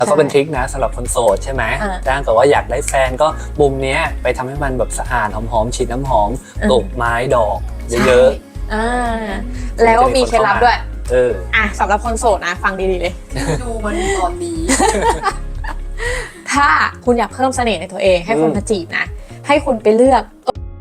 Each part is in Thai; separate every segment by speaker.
Speaker 1: แล้วก็เป็นทริคนะสำหรับคนโสดใช่ไหมถ้าเกิดว่าอยากได้แฟนก็มุมนี้ไปทำให้มันแบบสะอาดหอมๆฉีดน้ำหอมปลูกไม้ดอกเยอะ
Speaker 2: ๆแล้วมีเคล็ดลับด้วยสำหรับคนโสดนะฟังดีๆเลย
Speaker 3: ดูมันตอนนี้
Speaker 2: ถ้าคุณอยากเพิ่มเสน่ห์ในตัวเองให้คนมาจีบนะให้คุณไปเลือก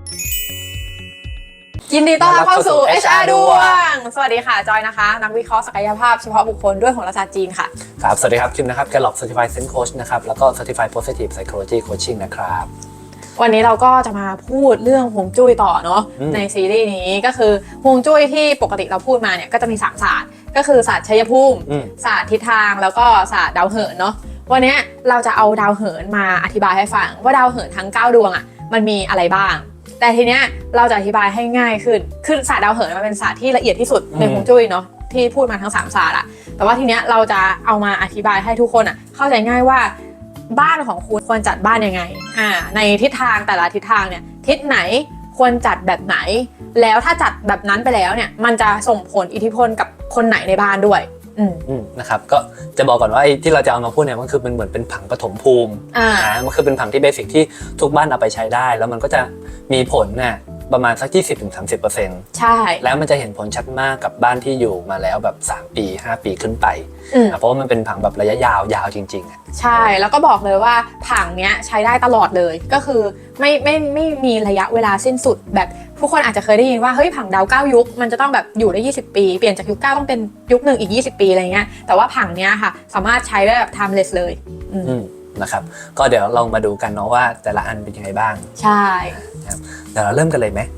Speaker 2: ยินดีต้อนรับเข้าสู่ HR ดวงสวัสดีค่ะจอยนะคะนักวิเคราะห์ศักยภาพเฉพาะบุคคลด้วยโหราศาสตร์จีนค่ะ
Speaker 1: ครับสวัสดีครับคิมนะครับ Gallup Certified Sense Coach นะครับแล้วก็ Certified Positive Psychology Coaching นะครับ
Speaker 2: วันนี้เราก็จะมาพูดเรื่องฮวงจุ้ยต่อเนาะในซีรีส์นี้ก็คือฮวงจุ้ยที่ปกติเราพูดมาเนี่ยก็จะมี3ศาสตร์ก็คือศาสตร์ชัยภูมิศาสตร์ทิศทางแล้วก็ศาสตร์ดาวเหินเนาะวันนี้เราจะเอาดาวเหินมาอธิบายให้ฟังว่าดาวเหินทั้ง9ดวงอ่ะมันมีอะไรบ้างแต่ทีเนี้ยเราจะอธิบายให้ง่ายขึ้นคือศาสตร์ดาวเหินมันเป็นศาสตร์ที่ละเอียดที่สุดในฮวงจุ้ยเนาะที่พูดมาทั้ง3ศาสตร์อะแต่ว่าทีเนี้ยเราจะเอามาอธิบายให้ทุกคนอ่ะเข้าใจง่ายว่าบ้านของคุณควรจัดบ้านยังไงในทิศทางแต่ละทิศทางเนี่ยทิศไหนควรจัดแบบไหนแล้วถ้าจัดแบบนั้นไปแล้วเนี่ยมันจะส่งผลอิทธิพลกับคนไหนในบ้านด้วย
Speaker 1: นะครับก็จะบอกก่อนว่าไอ้ที่เราจะเอามาพูดเนี่ยมันคือมันเหมือนเป็นผังปฐมภูมิมันคือเป็นผังที่เบสิกที่ทุกบ้านเอาไปใช้ได้แล้วมันก็จะมีผลเนี่ยประมาณสัก 20-30%
Speaker 2: ใช่
Speaker 1: แล้วมันจะเห็นผลชัดมากกับบ้านที่อยู่มาแล้วแบบ3ปี5ปีขึ้นไปเพราะว่ามันเป็นผังแบบระยะยาวจริงๆ
Speaker 2: ใช่แล้วก็บอกเลยว่าผังเนี้ยใช้ได้ตลอดเลยก็คือไม่มีระยะเวลาสิ้นสุดแบบผู้คนอาจจะเคยได้ยินว่าเฮ้ยผังดาว9ยุคมันจะต้องแบบอยู่ได้20ปีเปลี่ยนจากยุค9ต้องเป็นยุค1อีก20ปีอะไรเงี้ยแต่ว่าผังเนี้ยค่ะสามารถใช้ได้แบบ timeless เลย
Speaker 1: นะครับก็เดี๋ยวลองมาดูกันเนาะว่าแต่ละอันเป็นยังไงบ้าง
Speaker 2: ใช่
Speaker 1: เดี๋ยวเราเริ่มกันเลยไหม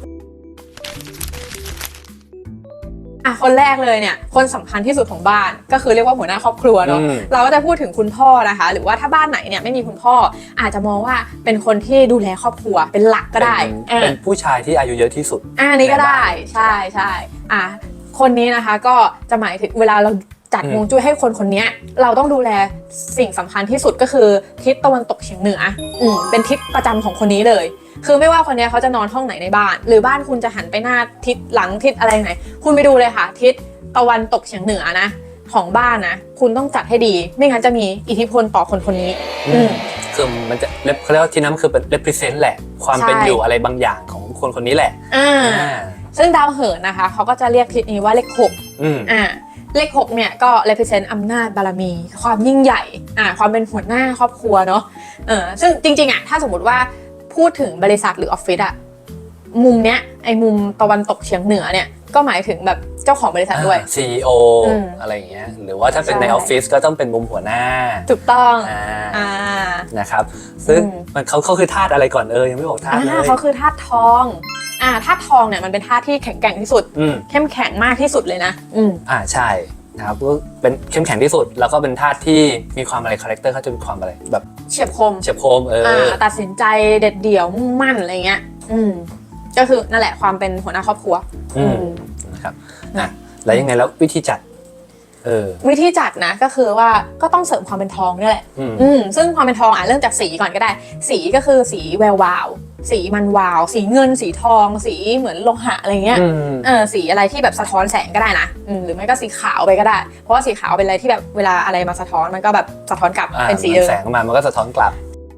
Speaker 2: คนแรกเลยเนี่ยคนสำคัญที่สุดของบ้านก็คือเรียกว่าหัวหน้าครอบครัวเนาะเราก็จะพูดถึงคุณพ่อนะคะหรือว่าถ้าบ้านไหนเนี่ยไม่มีคุณพ่ออาจจะมองว่าเป็นคนที่ดูแลครอบครัวเป็นหลักก็ได้
Speaker 1: เป็นผู้ชายที่อายุเยอะที่สุด
Speaker 2: นี่ก็ได้ใช่คนนี้นะคะก็จะหมายถึงเวลาเราจัดฮวงจุ้ยให้คนนี้เราต้องดูแลสิ่งสำคัญที่สุดก็คือทิศตะวันตกเฉียงเหนือเป็นทิศประจำของคนนี้เลยคือไม่ว่าคนนี้เขาจะนอนห้องไหนในบ้านหรือบ้านคุณจะหันไปหน้าทิศหลังทิศอะไรไหนคุณไปดูเลยค่ะทิศตะวันตกเฉียงเหนือนะของบ้านนะคุณต้องจัดให้ดีไม่งั้นจะมีอิทธิพลต่อคนนี้
Speaker 1: คือมันจะเขาเรียกว่าที่นั้นคือเป็น represent แหละความเป็นอยู่อะไรบางอย่างของคนนี้แหละ
Speaker 2: ซึ่งดาวเหินนะคะเขาก็จะเรียกทิศนี้ว่าเลข6เลข6เนี่ยก็ represent อำนาจบารมีความยิ่งใหญ่ความเป็นหัวหน้าครอบครัวเนาะซึ่งจริงๆถ้าสมมติว่าพูดถึงบริษัทหรือออฟฟิศมุมเนี้ยไอ้มุมตะวันตกเฉียงเหนือเนี่ยก็หมายถึงแบบเจ้าของบริษัทด้วย
Speaker 1: CEO อะไรอย่างเงี้ยหรือว่าถ้าเป็นในออฟฟิศก็ต้องเป็นมุมหัวหน้า
Speaker 2: ถูกต้อง
Speaker 1: นะครับซึ่งมันเขาคือธาตุอะไรก่อนยังไม่บอกธาตุเลย
Speaker 2: เขาคือธาตุทองธาตุทองเนี่ยมันเป็นธาตุที่แข็งแกร่งที่สุดเข้มแข็งมากที่สุดเลยนะ
Speaker 1: ใช่นะครับก็เป็นเข้มแข็งที่สุดแล้วก็เป็นธาตุที่มีความอะไรคาแรคเตอร์เขาจะมีความอะไรแบบ
Speaker 2: เฉียบคมตัดสินใจเด็ดเดี่ยวมุ่งมั่นอะไรเงี้ยก็คือนั่นแหละความเป็นหัวหน้าครอบครัว
Speaker 1: นะครับแล้วยังไงแล้ววิธีจัด
Speaker 2: วิธีจัดนะก็คือว่าก็ต้องเสริมความเป็นทองนี่แหละซึ่งความเป็นทองเริ่มจากสีก่อนก็ได้สีก็คือสีแวววาวสีมันวาวสีเงินสีทองสีเหมือนโลหะอะไรเงี้ยสีอะไรที่แบบสะท้อนแสงก็ได้นะหรือไม่ก็สีขาวไปก็ได้เพราะว่าสีขาวเป็นอะไรที่แบบเวลาอะไรมาสะท้อนมันก็แบบสะท้อนกลับเป็นสีเดิม
Speaker 1: แสงมามันก็สะท้อนกลับ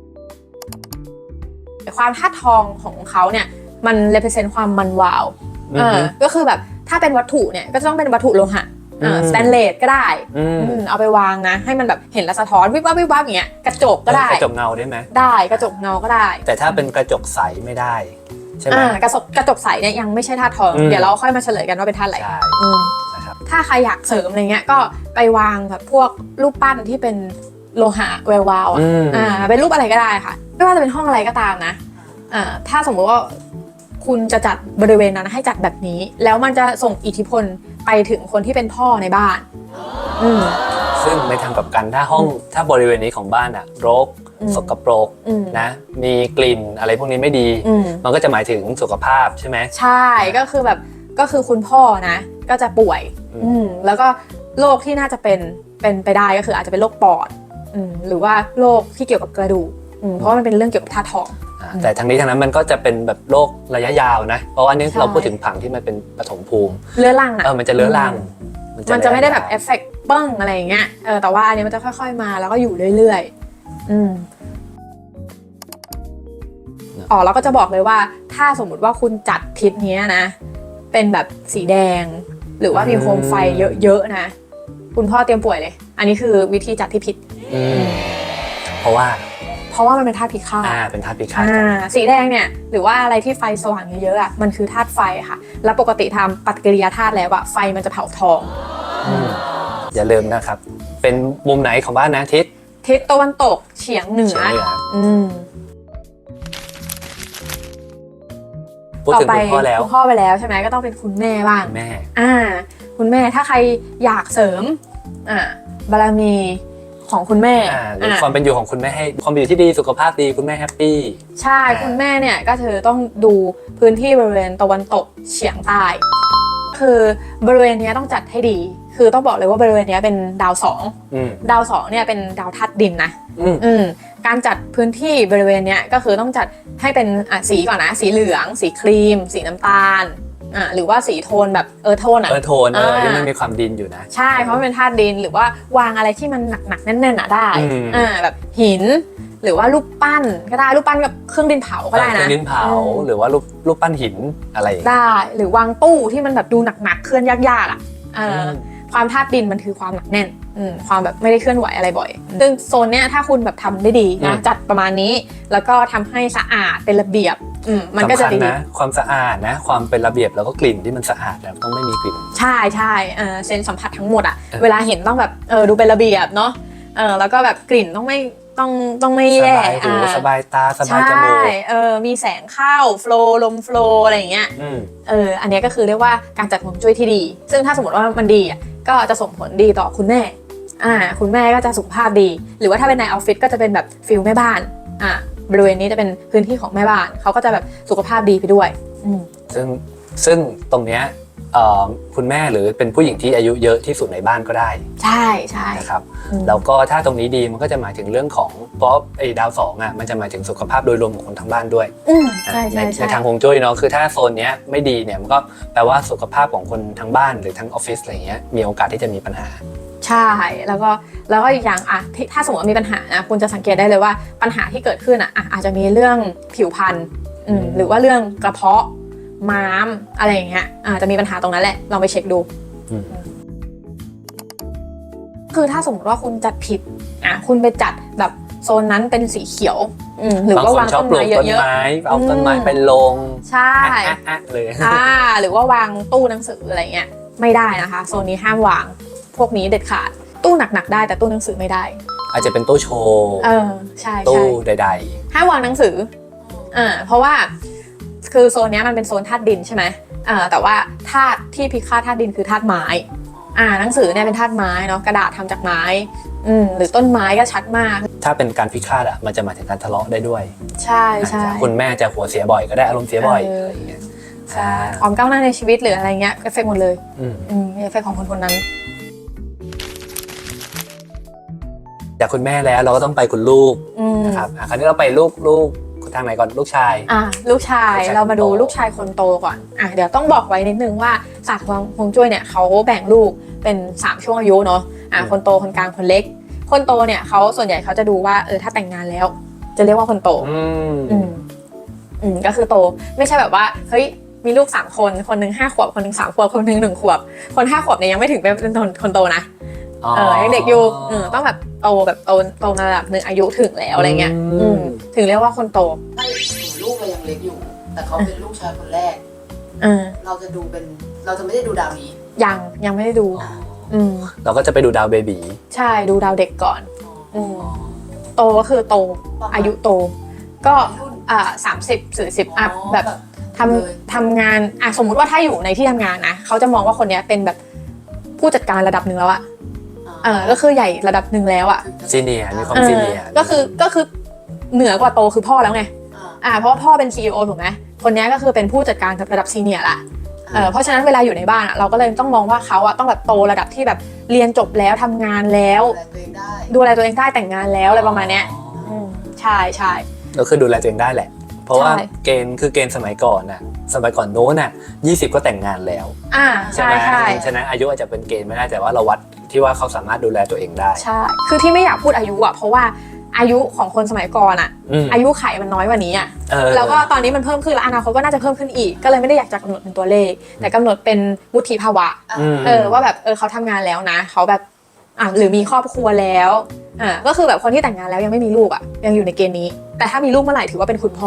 Speaker 2: ความธาตุทองของเขาเนี่ยมัน represent ความมันวาวก็คือแบบถ้าเป็นวัตถุเนี่ยก็จะต้องเป็นวัตถุโลหะสแตนเลสก็ได้เอาไปวางนะให้มันแบบเห็นแล้วสะท้อนวิบวับวิบวับอย่างเงี้ยกระจกก็ได้
Speaker 1: กระจกเงาได้ไหม
Speaker 2: ได้กระจกเงาก็ได้
Speaker 1: แต่ถ้าเป็นกระจกใสไม่ได้ใช่ไหม
Speaker 2: กระจกใสเนี่ยยังไม่ใช่ธาตุทองเดี๋ยวเราค่อยมาเฉลยกันว่าเป็นธาตุอะไรถ้าใครอยากเสริมอะไรเงี้ยก็ไปวางแบบพวกรูปปั้นที่เป็นโลหะแวววาวเป็นรูปอะไรก็ได้ค่ะไม่ว่าจะเป็นห้องอะไรก็ตามนะถ้าสมมติว่าคุณจะจัดบริเวณนั้นให้จัดแบบนี้แล้วมันจะส่งอิทธิพลไปถึงคนที่เป็นพ่อในบ้าน
Speaker 1: ซึ่งในทางกลับกันถ้าบริเวณนี้ของบ้านรกสกปรกนะมีกลิ่นอะไรพวกนี้ไม่ดีมันก็จะหมายถึงสุขภาพใช่ไหม
Speaker 2: ใช่ก็คือคุณพ่อนะก็จะป่วยแล้วก็โรคที่น่าจะเป็นไปได้ก็คืออาจจะเป็นโรคปอดหรือว่าโรคที่เกี่ยวกับกระดูกเพราะมันเป็นเรื่องเกี่ยวกับธาตุทอง
Speaker 1: แต่ทั้งนี้ทั้งนั้นมันก็จะเป็นแบบโรคระยะยาวนะเพราะว่านี้เราพูดถึงผังที่มันเป็นปฐมภูมิ
Speaker 2: เรื้อรัง
Speaker 1: มันจะเรื้อรัง
Speaker 2: มันจะไม่ได้แบบเอฟเฟกต์บ้างอะไรอย่างเงี้ยแต่ว่าอันนี้มันจะค่อยๆมาแล้วก็อยู่เรื่อยๆแล้วก็จะบอกเลยว่าถ้าสมมุติว่าคุณจัดทิศนี้นะเป็นแบบสีแดงหรือว่ามีโคมไฟเยอะๆนะคุณพ่อเตรียมป่วยเลยอันนี้คือวิธีจัดที่ผิด
Speaker 1: เพราะว่า
Speaker 2: มันเป็นธาตุพิฆาต
Speaker 1: เป็นธาตุพิฆาต
Speaker 2: สีแดงเนี่ยหรือว่าอะไรที่ไฟสว่างเยอะๆอ่ะมันคือธาตุไฟค่ะแล้วปกติทำปฏิกิริยาธาตุแล้วอ่ะไฟมันจะเผาทอง
Speaker 1: อย่าลืมนะครับเป็นมุมไหนของบ้านนะ
Speaker 2: ทิศตะวันตกเฉียงเหนือ
Speaker 1: พูดถึงคุณพ่อแล้ว
Speaker 2: คุณพ่อไปแล้วใช่ไหมก็ต้องเป็นคุณแม่บ้างคุณแม่ถ้าใครอยากเสริมบารมีของคุณแม่
Speaker 1: หรือความเป็นอยู่ของคุณแม่ให้ความเป็นอยู่ที่ดีสุขภาพดีคุณแม่แฮปปี้
Speaker 2: ใช่คุณแม่เนี่ยก็คือต้องดูพื้นที่บริเวณตะวันตกเฉียงใต้คือบริเวณนี้ต้องจัดให้ดีคือต้องบอกเลยว่าบริเวณนี้เป็นดาว2เนี่ยเป็นดาวธาตุดินนะการจัดพื้นที่บริเวณนี้ก็คือต้องจัดให้เป็นสีก่อนนะสีเหลืองสีครีมสีน้ำตาลหรือว่าสีโทนแบบโทน
Speaker 1: ที่มันมีความดินอยู่นะ
Speaker 2: ใช่เพราะมันเป็นธาตุดินหรือว่าวางอะไรที่มันหนักๆแน่นๆได้แบบหินหรือว่ารูปปั้นก็ได้รูปปั้นกับเครื่องดินเผาก็ได้นะ
Speaker 1: เครื่องดินเผาหรือว่ารูปปั้นหินอะไร
Speaker 2: ได้หรือวางตู้ที่มันแบบดูหนักๆเคลื่อนยากๆความธาตุดินมันคือความหนักแน่นความแบบไม่ได้เคลื่อนไหวอะไรบ่อยซึ่งโซนเนี้ยถ้าคุณแบบทำได้ดีนะจัดประมาณนี้แล้วก็ทำให้สะอาดเป็นระเบียบมันก็จะดี
Speaker 1: นะความสะอาดนะความเป็นระเบียบแล้วก็กลิ่นที่มันสะอาดแล้วต้องไม่มีกลิ่น
Speaker 2: ใช่เซนสัมผัสทั้งหมดเวลาเห็นต้องแบบดูเป็นระเบียบเนาะแล้วก็แบบกลิ่นต้องไม่แย่
Speaker 1: สบายตาสบายจมูก
Speaker 2: มีแสงเข้าโฟล์ลมโฟล์อะไรอย่างเงี้ยอันนี้ก็คือเรียกว่าการจัดฮวงจุ้ยที่ดีซึ่งถ้าสมมติว่ามันดีก็จะส่งผลดีต่อคุณแม่คุณแม่ก็จะสุขภาพดีหรือว่าถ้าเป็นในออฟฟิศก็จะเป็นแบบฟิลแม่บ้านบริเวณนี้จะเป็นพื้นที่ของแม่บ้านเขาก็จะแบบสุขภาพดีไปด้วย
Speaker 1: ซึ่งตรงเนี้ยคุณแม่หรือเป็นผู้หญิงที่อายุเยอะที่สุดในบ้านก็ได้
Speaker 2: ใช่
Speaker 1: นะครับแล้วก็ถ้าตรงนี้ดีมันก็จะหมายถึงเรื่องของเพราะไอ้ดาว2มันจะหมายถึงสุขภาพโดยรวมของคนทั้งบ้านด้วยในทางฮวงจุ้ยเนาะคือถ้าโซนเนี้ยไม่ดีเนี่ยมันก็แปลว่าสุขภาพของคนทั้งบ้านหรือทั้งออฟฟิศอะไรเงี้ยมีโอกาสที่จะมีปัญหา
Speaker 2: ใช่แล้วก็อีกอย่างถ้าสมมติว่ามีปัญหานะคุณจะสังเกตได้เลยว่าปัญหาที่เกิดขึ้นอาจจะมีเรื่องผิวพรรณหรือว่าเรื่องกระเพาะม้ามอะไรอย่างเงี้ยจะมีปัญหาตรงนั้นแหละลองไปเช็คดูคือถ้าสมมติว่าคุณจัดผิดคุณไปจัดแบบโซนนั้นเป็นสีเขียวหรือว่าวางต้นไม้เยอะ
Speaker 1: ๆเอาต้นไม้เป็นลง
Speaker 2: ใช่
Speaker 1: เลย
Speaker 2: หรือว่าวางตู้หนังสืออะไรเงี้ยไม่ได้นะคะโซนนี้ห้ามวางพวกนี้เด็ดขาดตู้หนักๆได้แต่ตู้หนังสือไม่ได้
Speaker 1: อาจจะเป็นตู้โชว์
Speaker 2: ใช่
Speaker 1: ตู้ใด
Speaker 2: ๆห้ามวางหนังสือเพราะว่าคือโซนนี้มันเป็นโซนธาตุดินใช่ไหมแต่ว่าธาตุที่พิฆาตธาตุดินคือธาตุไม้หนังสือเนี่ยเป็นธาตุไม้เนาะกระดาษทำจากไม้หรือต้นไม้ก็ชัดมาก
Speaker 1: ถ้าเป็นการพิฆาตมันจะหมายถึงการทะเลาะได้ด้วย
Speaker 2: ใช่
Speaker 1: คุณแม่จะหัวเสียบ่อยก็ได้อารมณ์เสียบ่อยอะไรอย่างเงี้ย
Speaker 2: ใช่ความก้าวหน้าในชีวิตหรืออะไรเงี้ยเอฟเฟกต์หมดเลยเอฟเฟกต์ของคนนั้น
Speaker 1: จากคุณแม่แล้วเราก็ต้องไปคุณลูกนะครับคราวนี้เราไปลูกทางไหนก่อนลูกชาย
Speaker 2: ลูกชายเรามาดูลูกชายคนโตก่อนเดี๋ยวต้องบอกไว้นิดนึงว่าศาสตร์ฮวงจุ้ยเนี่ยเขาแบ่งลูกเป็น3ช่วงอายุเนาะคนโตคนกลางคนเล็กคนโตเนี่ยเขาส่วนใหญ่เขาจะดูว่าถ้าแต่งงานแล้วจะเรียกว่าคนโตก็คือโตไม่ใช่แบบว่าเฮ้ยมีลูก3คนคนนึง5 ขวบคนนึง3 ขวบคนนึง1 ขวบคน5 ขวบเนี่ยยังไม่ถึงเป็นคนโตนะยังเด็กอยู่ต้องแบบโตแบบโตระดับนึงอายุถึงแล้วอะไรเงี้ยถึงเรียกว่าคนโต
Speaker 3: ลูกเรายังเล็กอยู่แต่เขาเป็นลูกชายคนแรกเราจะไม่ได้ดูดาวนี้
Speaker 2: ยังไม่ได้ดู
Speaker 1: เราก็จะไปดูดาวเบบี
Speaker 2: ใช่ดูดาวเด็กก่อนโตก็คือโตอายุโตก็30-40อัพแบบทำงานสมมุติว่าถ้าอยู่ในที่ทำงานนะเขาจะมองว่าคนนี้เป็นแบบผู้จัดการระดับหนึ่งแล้วอะก็คือใหญ่ระดับหนึ่งแล้วอะ
Speaker 1: ซีเนียร์มีความซีเนียร์
Speaker 2: ก็คือเหนือกว่าโตคือพ่อแล้วไงเพราะว่าพ่อเป็น CEO ถูกไหมคนนี้ก็คือเป็นผู้จัดการระดับซีเนียร์ละเพราะฉะนั้นเวลาอยู่ในบ้านเราก็เลยต้องมองว่าเขาต้องแบบโตระดับที่แบบเรียนจบแล้วทำงานแล้วดูแลตัวเองได้แต่งงานแล้วอะไรประมาณนี้ใช่
Speaker 1: ก็คือดูแลตัวเองได้แหละเพราะว่าเกณฑ์สมัยก่อนโน้น20ก็แต่งงานแล้ว
Speaker 2: ใช่
Speaker 1: ฉะนั้นอายุอาจจะเป็นเกณฑ์ไม่ได้แต่ว่าเราวัดทที่ว่าเขาสามารถดูแลตัวเองได้
Speaker 2: ใช่คือที่ไม่อยากพูดอายุเพราะว่าอายุของคนสมัยก่อนอายุไขมันน้อยกว่านี้แล้วก็ตอนนี้มันเพิ่มขึ้นแล้วอนาคตก็น่าจะเพิ่มขึ้นอีกก็เลยไม่ได้อยากจะกำหนดเป็นตัวเลขแต่กำหนดเป็นวุฒิภาวะว่าแบบเขาทำงานแล้วนะเขาแบบหรือมีครอบครัวแล้วก็คือแบบคนที่แต่งงานแล้วยังไม่มีลูกยังอยู่ในเกณฑ์นี้แต่ถ้ามีลูกเมื่อไหร่ถือว่าเป็นคุณพ่อ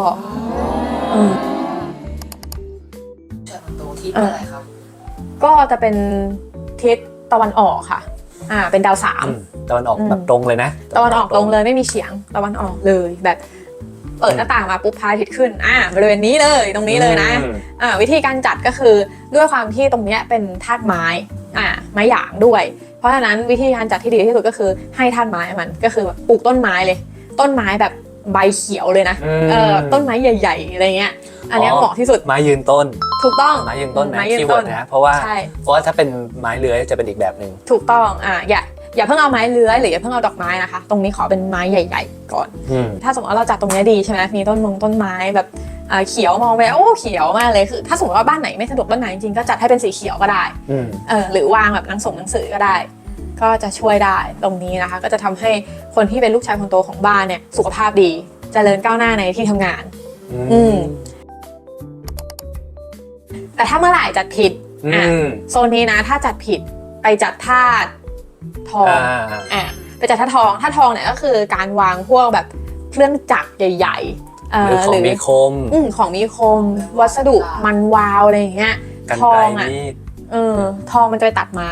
Speaker 3: ชายคนโตทิศอะไรครับ
Speaker 2: ก็จะเป็นทิศตะวันออกค่ะเป็นดาว3
Speaker 1: ตะวันออกแบบตรงเลยนะ
Speaker 2: ตะวันออกตรงเลยไม่มีเฉียงตะวันออกเลยแบบเปิดหน้าต่างมาปุ๊บพระอาทิตย์ขึ้นบริเวณนี้เลยตรงนี้เลยนะวิธีการจัดก็คือด้วยความที่ตรงนี้เป็นธาตุไม้ไม้หยางด้วยเพราะฉะนั้นวิธีการจัดที่ดีที่สุดก็คือให้ธาตุไม้มันก็คือปลูกต้นไม้เลยต้นไม้แบบใบเขียวเลยนะต้นไม้ใหญ่ๆอะไรเงี้ยอันนี้เหมาะที่สุด
Speaker 1: ไม้ยืนต้น
Speaker 2: ถูกต้อง
Speaker 1: ไม้ยืนต้นนะคีย์เวิร์ดนะเพราะว่าถ้าเป็นไม้เลื้อยจะเป็นอีกแบบนึง
Speaker 2: ถูกต้องอย่าเพิ่งเอาไม้เลื้อยหรืออย่าเพิ่งเอาดอกไม้นะคะตรงนี้ขอเป็นไม้ใหญ่ๆก่อนถ้าสมมติว่าเราจัดตรงนี้ดีใช่ไหมมีต้นไม้แบบเขียวมองไปโอ้เขียวมากเลยคือถ้าสมมติว่าบ้านไหนไม่สะดวกบ้านไหนจริงๆก็จัดให้เป็นสีเขียวก็ได้หรือวางแบบหนังสือก็ได้ก็จะช่วยได้ตรงนี้นะคะก็จะทำให้คนที่เป็นลูกชายคนโตของบ้านเนี่ยสุขภาพดีเจริญก้าวหน้าในที่ทำงานแต่ถ้าเมื่อไหร่จัดผิดโซนนี้นะถ้าจัดผิดไปจัดธาตุทองไปจัดธาตุทองเนี่ยก็คือการวางพวกแบบเครื่องจักรใหญ่
Speaker 1: ๆหรือของมีคม
Speaker 2: ของมีคมวัสดุมันวาวอะไรอย่างเงี้ยทองทองมันจะไปตัดไม้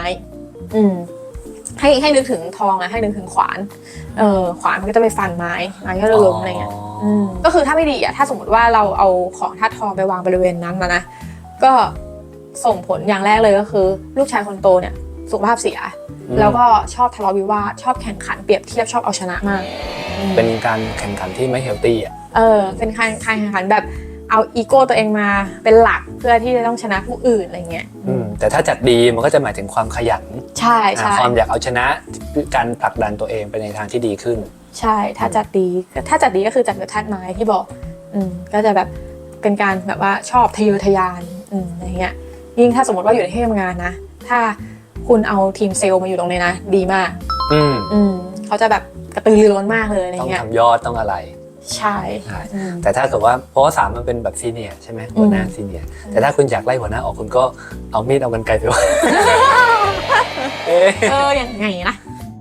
Speaker 2: ให้นึกถึงทองให้นึกถึงขวานขวานมันก็จะไปฟันไม้ก็จะล้มอะไรเงี้ยก็คือถ้าไม่ดีถ้าสมมติว่าเราเอาของธาตุทองไปวางบริเวณนั้นนะก็ส่งผลอย่างแรกเลยก็คือลูกชายคนโตเนี่ยสุขภาพเสียแล้วก็ชอบทะเลาะวิวาทชอบแข่งขันเปรียบเทียบชอบเอาชนะมาก
Speaker 1: เป็นการแข่งขันที่ไม่เฮลตี้
Speaker 2: เป็นการแข่งขันแบบเอาอีโก้ตัวเองมาเป็นหลักเพื่อที่จะต้องชนะผู้อื่นอะไรเงี้ย
Speaker 1: แต่ถ้าจัดดีมันก็จะหมายถึงความขยัน
Speaker 2: ใช่
Speaker 1: ความอยากเอาชนะการผลักดันตัวเองไปในทางที่ดีขึ้น
Speaker 2: ใช่ถ้าจัดดีก็คือจัดกับธาตุไม้ที่บอกก็จะแบบเป็นการแบบว่าชอบทะเยอทะยานอะไรเงี้ยยิ่งถ้าสมมติว่าอยู่ในที่ทำงานนะถ้าคุณเอาทีมเซลล์มาอยู่ตรงนี้นะดีมากเขาจะแบบกระตือรือร้นมากเลยอะไรเงี้ย
Speaker 1: ต้องทำยอดต้องอะไร
Speaker 2: ใช่
Speaker 1: แต่ถ้าเกิดว่าเพราะว่า3มันเป็นแบบซีเนียร์ใช่ไหมหัวหน้าซีเนียร์แต่ถ้าคุณอยากไล่หัวหน้าออกคุณก็เอามีดเอากรรไกรไปว่า
Speaker 2: อย่างไงนะ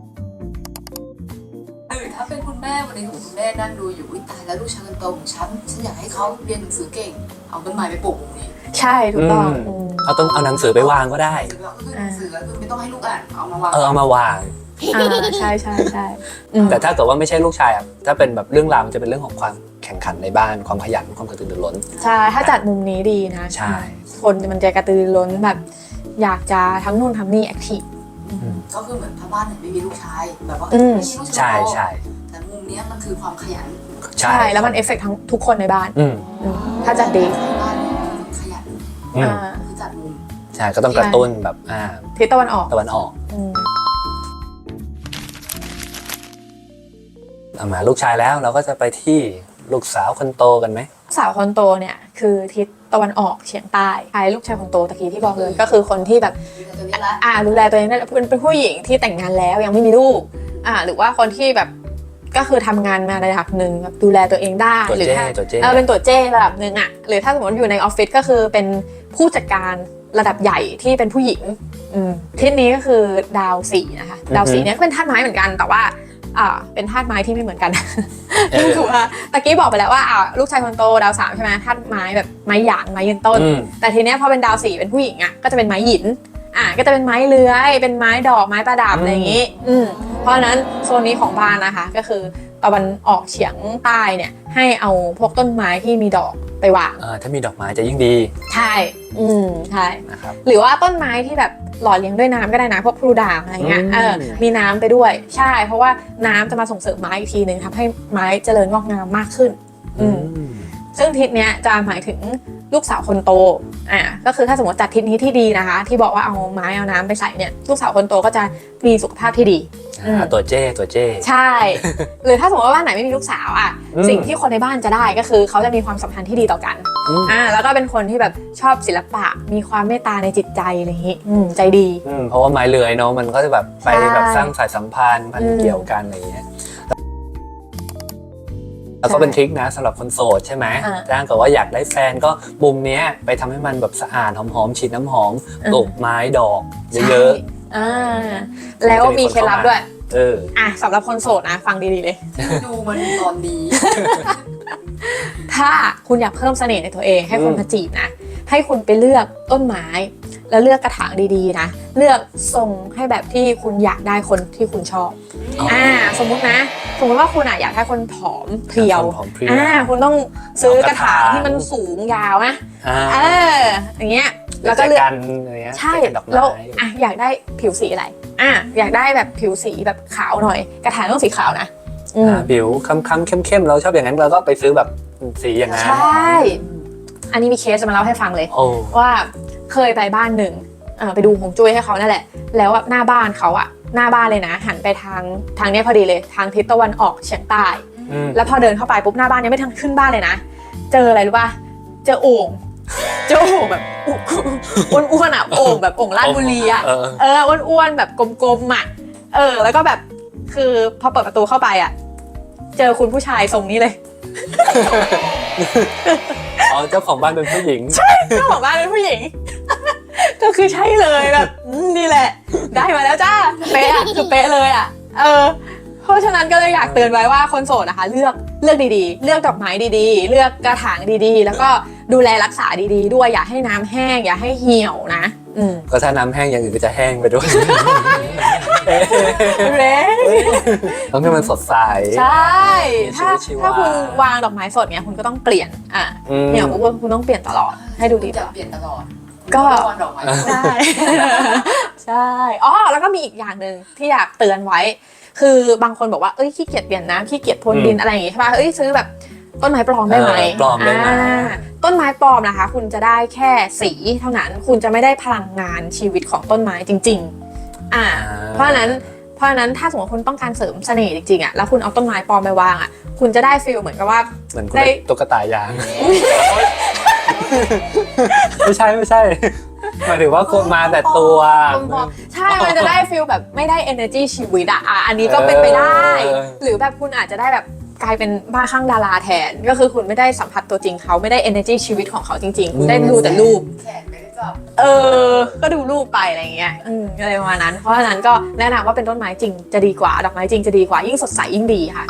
Speaker 3: ถ้าเป็นคุณแม่วันนี้คุณแม่นั่งดูอยู่ตายแล้วลูกชายคนโตของฉันอยากให้เขาเรียนหนังสือเก่งเอาต้นไม้ไปปลูกตรงนี้
Speaker 2: ใช่ถูกต้อง
Speaker 1: เอาหนังสือไปวางก็ได้
Speaker 3: หนังสือคือไม่ต้องให้ลูกอ่านเอามาวาง
Speaker 1: เอามาวาง
Speaker 2: ใช่ใช่ใช่
Speaker 1: แต่ถ้าเกิดว่าไม่ใช่ลูกชายถ้าเป็นแบบเรื่องราวมันจะเป็นเรื่องของความแข่งขันในบ้านความขยันความกระตือรือร้น
Speaker 2: ใช่ถ้าจัดมุมนี้ดีนะ
Speaker 1: ใช่
Speaker 2: คนมันจะกระตือรือร้นแบบอยากจะทั้งนู่นทำนี่แอคทีฟ
Speaker 3: ก็คือเหมือนถ้าบ้านไหนไม่มีลูกชายแบบว่าไม่มีลูกชาย
Speaker 1: ใช่
Speaker 3: แต่มุมนี้มันคือความขยัน
Speaker 2: ใช่แล้วมันเอฟเฟกต์ทั้งทุกคนในบ้านถ้าจัดดี
Speaker 3: บ้านขยันคือจัดมุม
Speaker 1: ใช่ก็ต้องกระตุ้นแบบ
Speaker 2: ทิศตะวันออก
Speaker 1: มาลูกชายแล้วเราก็จะไปที่ลูกสาวคนโตกันไหม
Speaker 2: สาวคนโตเนี่ยคือทิศตะวันออกเฉียงใต้ใครลูกชายคนโตตะกี้ที่บอกเลยก็คือคนที่แบบดูแลตัวเองได้เป็นผู้หญิงที่แต่งงานแล้วยังไม่มีลูกหรือว่าคนที่แบบก็คือทำงานมาระดับหนึ่งแบบดูแลตัวเองได้หรือถ้าเป็นตัวเจ้ระดับหนึ่งหรือถ้าสมมติอยู่ในออฟฟิศก็คือเป็นผู้จัดการระดับใหญ่ที่เป็นผู้หญิงทิศนี้ก็คือดาว4นะคะดาว4เนี่ยเป็นธาตุไม้เหมือนกันแต่ว่าเป็นธาตุไม้ที่ไม่เหมือนกันถูกป่ะตะกี้บอกไปแล้วว่าลูกชายคนโตดาว3ใช่ไหมธาตุไม้แบบไม้หยางไม้ยืนต้นแต่ทีเนี้ยพอเป็นดาว4เป็นผู้หญิงก็จะเป็นไม้หยินก็จะเป็นไม้เลื้อยเป็นไม้ดอกไม้ประดับอะไรอย่างนี้เพราะฉะนั้นโซนนี้ของบ้านนะคะก็คือตะวันออกเฉียงใต้เนี่ยให้เอาพวกต้นไม้ที่มีดอกไปวาง
Speaker 1: ถ้ามีดอกไม้จะยิ่งดี
Speaker 2: ใช่ใช่นะครับหรือว่าต้นไม้ที่แบบหล่อเลี้ยงด้วยน้ำก็ได้นะพวกพลูด่างอะไรเงี้ยมีน้ำไปด้วยใช่เพราะว่าน้ำจะมาส่งเสริมไม้อีกทีนึงทำให้ไม้เจริญงอกงามมากขึ้นซึ่งทิศเนี้ยจะหมายถึงลูกสาวคนโตก็คือถ้าสมมติจัดทิศนี้ที่ดีนะคะที่บอกว่าเอาไม้เอาน้ำไปใส่เนี่ยลูกสาวคนโตก็จะมีสุขภาพที่ดี
Speaker 1: ตัวเจ้
Speaker 2: ใช่ หรือถ้าสมมติว่าบ้านไหนไม่มีลูกสาวสิ่งที่คนในบ้านจะได้ก็คือเขาจะมีความสัมพันธ์ที่ดีต่อกันแล้วก็เป็นคนที่แบบชอบศิลปะมีความเมตตาในจิตใจอะไรอย่างนี้ใจดี
Speaker 1: เพราะว่าไม้เลื้อยเนาะมันก็จะแบบไปแบบสร้างสายสัมพันธ์พันเกี่ยวกันอะไรอย่างเงี้ยแล้วก็เป็นทริคนะสำหรับคนโสดใช่ไหมถ้าเกิดว่าอยากได้แฟนก็มุมเนี้ยไปทำให้มันแบบสะอาดหอมๆฉีดน้ำหอมปลูกไม้ดอกเยอะ
Speaker 2: ๆแล้วมีเคล็ดลับด้วยสำหรับคนโสดนะฟังดีๆเลย
Speaker 3: ดูมันตอนนี้
Speaker 2: ถ้าคุณอยากเพิ่มเสน่ห์ในตัวเองให้คนมาจีบนะให้คุณไปเลือกต้นไม้แล้วเลือกกระถางดีๆนะเลือกทรงให้แบบที่คุณอยากได้คนที่คุณชอบสมมุติว่าคุณอยากได้คนผอมเพรียวคุณต้องซื้อกระถางที่มันสูงยาวนะอย่างเงี้ยแล้วก็เลือกใช่แล้วอยากได้ผิวสีอะไรอยากได้แบบผิวสีแบบขาวหน่อยกระถางต้องสีขาวนะ
Speaker 1: ผิวค้ำๆเข้มๆเราชอบอย่างนั้นเราก็ไปซื้อแบบสีอย่างนั้น
Speaker 2: ใช่อันนี้มีเคสจะมาเล่าให้ฟังเลยว่าเคยไปบ้านหนึ่งไปดูฮวงจุ้ยให้เขานั่นแหละแล้วหน้าบ้านเขาหน้าบ้านเลยนะหันไปทางนี้พอดีเลยทางทิศตะวันออกเฉียงใต้แล้วพอเดินเข้าไปปุ๊บหน้าบ้านยังไม่ทันขึ้นบ้านเลยนะเจออะไรรู้ป่ะเจอโอ่งแบบอ้วนๆโอ่งแบบโอ่งลาดบุรีอ้วนๆแบบกลมๆแล้วก็แบบคือพอเปิดประตูเข้าไปเจอคุณผู้ชายทรงนี้เลย
Speaker 1: เจ้าของบ้านเป็นผู้หญิง
Speaker 2: ใช่เจ้าของบ้านเป็นผู้หญิงก็คือใช่เลยแบบนี่แหละได้มาแล้วจ้าเป๊ะคือเป๊ะเลยเพราะฉะนั้นก็เลยอยากเตือนไว้ว่าคนโสดนะคะเลือกดีๆเลือกดอกไม้ดีๆเลือกกระถางดีๆแล้วก็ดูแลรักษาดีๆด้วยอย่าให้น้ำแห้งอย่าให้เหี่ยวนะ
Speaker 1: ก็ถ้าน้ำแห้งอย่างอื่นก็จะแห้งไปด้วยต้องให้มันสดใส
Speaker 2: ใช่ถ้าคุณวางดอกไม้สดเนี้ยคุณก็ต้องเปลี่ยนเนี่ยคุณต้องเปลี่ยนตลอดให้ดูดี
Speaker 3: จะเปลี่ยนตลอด
Speaker 2: ก็ได้ใช่แล้วก็มีอีกอย่างหนึ่งที่อยากเตือนไว้คือบางคนบอกว่าขี้เกียจเปลี่ยนน้ำขี้เกียจพรวนดินอะไรอย่างงี้ใช่ป่ะซื้อแบบต้นไม้ปลอมได้ไหม
Speaker 1: ปลอมได้ไหม
Speaker 2: ต้นไม้ปลอมนะคะคุณจะได้แค่สีเท่านั้นคุณจะไม่ได้พลังงานชีวิตของต้นไม้จริงๆเพราะฉะนั้นถ้าสมมติคุณต้องการเสริมเสน่ห์จริงๆแล้วคุณเอาต้นไม้ปลอมไปวางคุณจะได้ฟีลเหมือนกับว่า
Speaker 1: เหมือนได้ตุ๊กตายางไม่ใช่หมายถึงว่าคนมาแต่ตัว
Speaker 2: ใช่มันจะได้ฟีลแบบไม่ได้ energy ชีวิตอันนี้ก็เป็นไปได้หรือแบบคุณอาจจะได้แบบกลายเป็นบ้าคลั่งดาราแทนก็คือคุณไม่ได้สัมผัสตัวจริงเขาไม่ได้ energy ชีวิตของเขาจริงๆคุณได้ดูแต่รูป
Speaker 3: แขนไม่ได้จับ
Speaker 2: ก็ดูรูปไปอะไรเงี้ยอะไรประมาณนั้นเพราะฉะนั้นก็แนะนำว่าเป็นต้นไม้จริงจะดีกว่าดอกไม้จริงจะดีกว่ายิ่งสดใสยิ่งดีค่ะ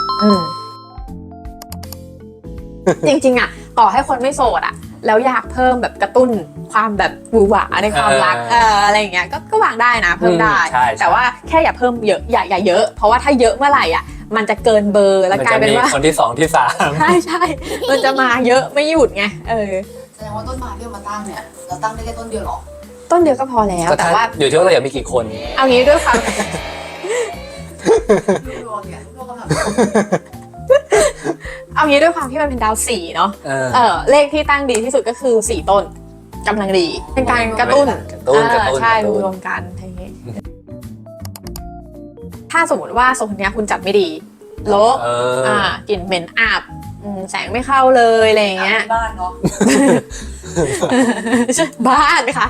Speaker 2: จริงๆต่อให้คนไม่โสดแล้วอยากเพิ่มแบบกระตุ้นความแบบหวือหวาในความรักอะไรอย่างเงี้ยก็วางได้นะเพิ่มได้แต่ว่าแค่อย่าเพิ่มเยอะอย่าเยอะเพราะว่าถ้าเยอะเมื่อไหร่มันจะเกินเบอร์แล้วกลายเป็นว่า
Speaker 1: คนที่2ที่3
Speaker 2: ใช่มันจะมาเยอะไม่หยุดไง
Speaker 3: แสดงว่าต้นไม้ที่เรามาตั้งเนี่ยเราตั้งได้แค่ต้นเดียวหรอ
Speaker 2: ต้นเดียวก็พอแล้วแต่ว่า
Speaker 1: อยู่ที่ว่าเราอยากมีกี่คน
Speaker 2: เอางี้ด้วยความเอางี้ด้วยความที่มันเป็นดาว4เนาะเลขที่ตั้งดีที่สุดก็คือ4ต้นกำลังดีเป็นการกระตุ้นใช่รวมกันอย่างนี้ถ้าสมมติว่าทรงนี้คุณจับไม่ดีรกกลิ่นเหม็นอับแสงไม่เข้าเลยอะไรอย่างเงี้ย
Speaker 3: บ้านเนาะ
Speaker 2: บ้านค่ะ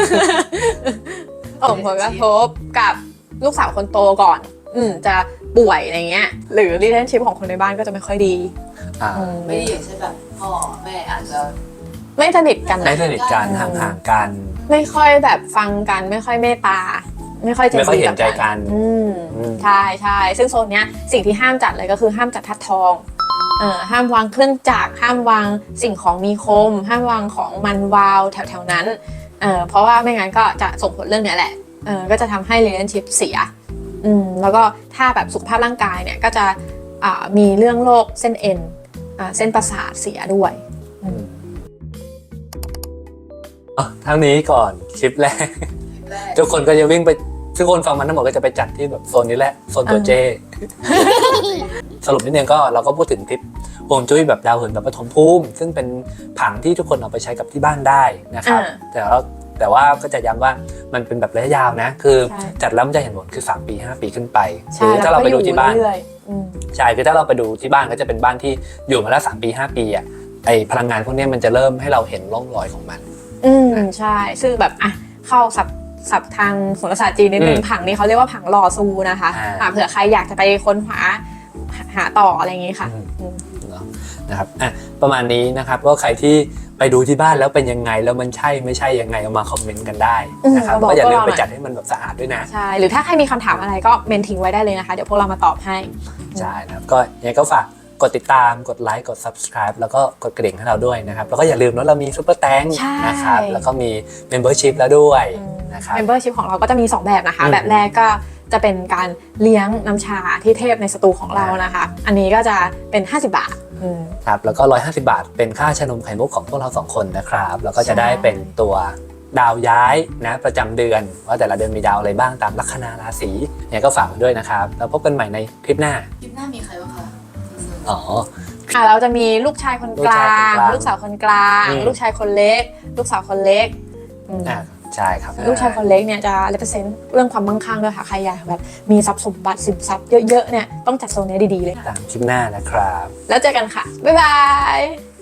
Speaker 2: ผลกระทบกับลูกสาวคนโตก่อนจะป่วยอะไรเงี้ยหรือ relationship ของคนในบ้านก็จะไม่ค่อยดี
Speaker 3: ไม่ดีใช่แบบพ่อแม่อาจจะ
Speaker 2: ไม่สนิทกัน
Speaker 1: ห่างกัน
Speaker 2: ไม่ค่อยแบบฟังกันไม่ค่อยเมตตาไม่ค่อย
Speaker 1: เห็นใจกัน
Speaker 2: ใช่ซึ่งโซนเนี้ยสิ่งที่ห้ามจัดเลยก็คือห้ามจัดทัดทองห้ามวางเครื่องจักรห้ามวางสิ่งของมีคมห้ามวางของมันวาวแถวๆนั้นเพราะว่าไม่งั้นก็จะส่งผลเรื่องนี้แหละก็จะทำให้ relationship เสียแล้วก็ถ้าแบบสุขภาพร่างกายเนี่ยก็จะมีเรื่องโรคเส้นเอ็นเส้นประสาทเสียด้วย
Speaker 1: เท่านี้ก่อนคลิปแรกทุกคนก็จะวิ่งไปทุกคนฟังมันทั้งหมดก็จะไปจัดที่แบบโซนนี้แหละโซนตัวเจสรุปนิดนึงก็เราก็พูดถึงทิปฮวงจุ้ยแบบดาวเหินแบบปฐมภูมิซึ่งเป็นผังที่ทุกคนเอาไปใช้กับที่บ้านได้นะครับแต่ว่าก็จะย้ำว่ามันเป็นแบบระยะยาวนะคือจัดแล้วมันจะเห็นผลคือ3 ปี 5 ปีขึ้นไปคือถ้าเราไปดูที่บ้านใช่คือถ้าเราไปดูที่บ้านก็จะเป็นบ้านที่อยู่มาแล้ว3 ปี 5 ปีอ่ะไอพลังงานพวกนี้มันจะเริ่มให้เราเห็นร่องรอยของมัน
Speaker 2: ใช่ซึ่งแบบเข้าศัพท์ทางโหราศาสตร์จีนนิดนึงผังนี้เขาเรียกว่าผังหล่อซูนะคะเผื่อใครอยากจะไปค้นหาต่ออะไรอย่างงี้ค่ะ
Speaker 1: นะครับประมาณนี้นะครับก็ใครที่ไปดูที่บ้านแล้วเป็นยังไงแล้วมันใช่ไม่ใช่ยังไงเอามาคอมเมนต์กันได้นะครับก็อย่าลืมไปจัดให้มันแบบสะอาดด้วยนะ
Speaker 2: ใช่หรือถ้าใครมีคำถามอะไรก็เมนทิ้งไว้ได้เลยนะคะเดี๋ยวพวกเรามาตอบให้
Speaker 1: ใช่นะครับก็ยังไงก็ฝากกดติดตามกดไลค์กด subscribe แล้วก็กดกระดิ่งให้เราด้วยนะครับแล้วก็อย่าลืมว่าเรามีซุปเปอร์แตงนะครับแล้วก็มี membership แล้วด้วยนะครับ
Speaker 2: membership ของเราก็จะมี2แบบนะคะแบบแรกก็จะเป็นการเลี้ยงน้ำชาที่เทพในสตูของเรานะคะอันนี้ก็จะเป็น50 บาท
Speaker 1: ครับแล้วก็150 บาทเป็นค่าชานมไข่มุกของพวกเรา2 คนนะครับแล้วก็จะได้เป็นตัวดาวย้ายนะประจำเดือนว่าแต่ละเดือนมีดาวอะไรบ้างตามลัคนาราศีเนี่ยก็ฝากด้วยนะครับแล้วพบกันใหม่ในคลิปหน้า
Speaker 3: มีใครบ้างคะ
Speaker 2: เราจะมีลูกชายคนกลางลูกสาวคนกลางลูกชายคนเล็กลูกสาวคนเล็ก
Speaker 1: ใช่ครับ
Speaker 2: ลูกชายคนเล็กเนี่ยจะ represent เรื่องความมั่งคั่งด้วยค่ะใครอยากแบบมีทรัพย์สมบัติสินทรัพย์เยอะๆเนี่ยต้องจัดโซนนี้ดีๆเลย
Speaker 1: ตามคลิปหน้านะครับ
Speaker 2: แล้วเจอกันค่ะบ๊ายบาย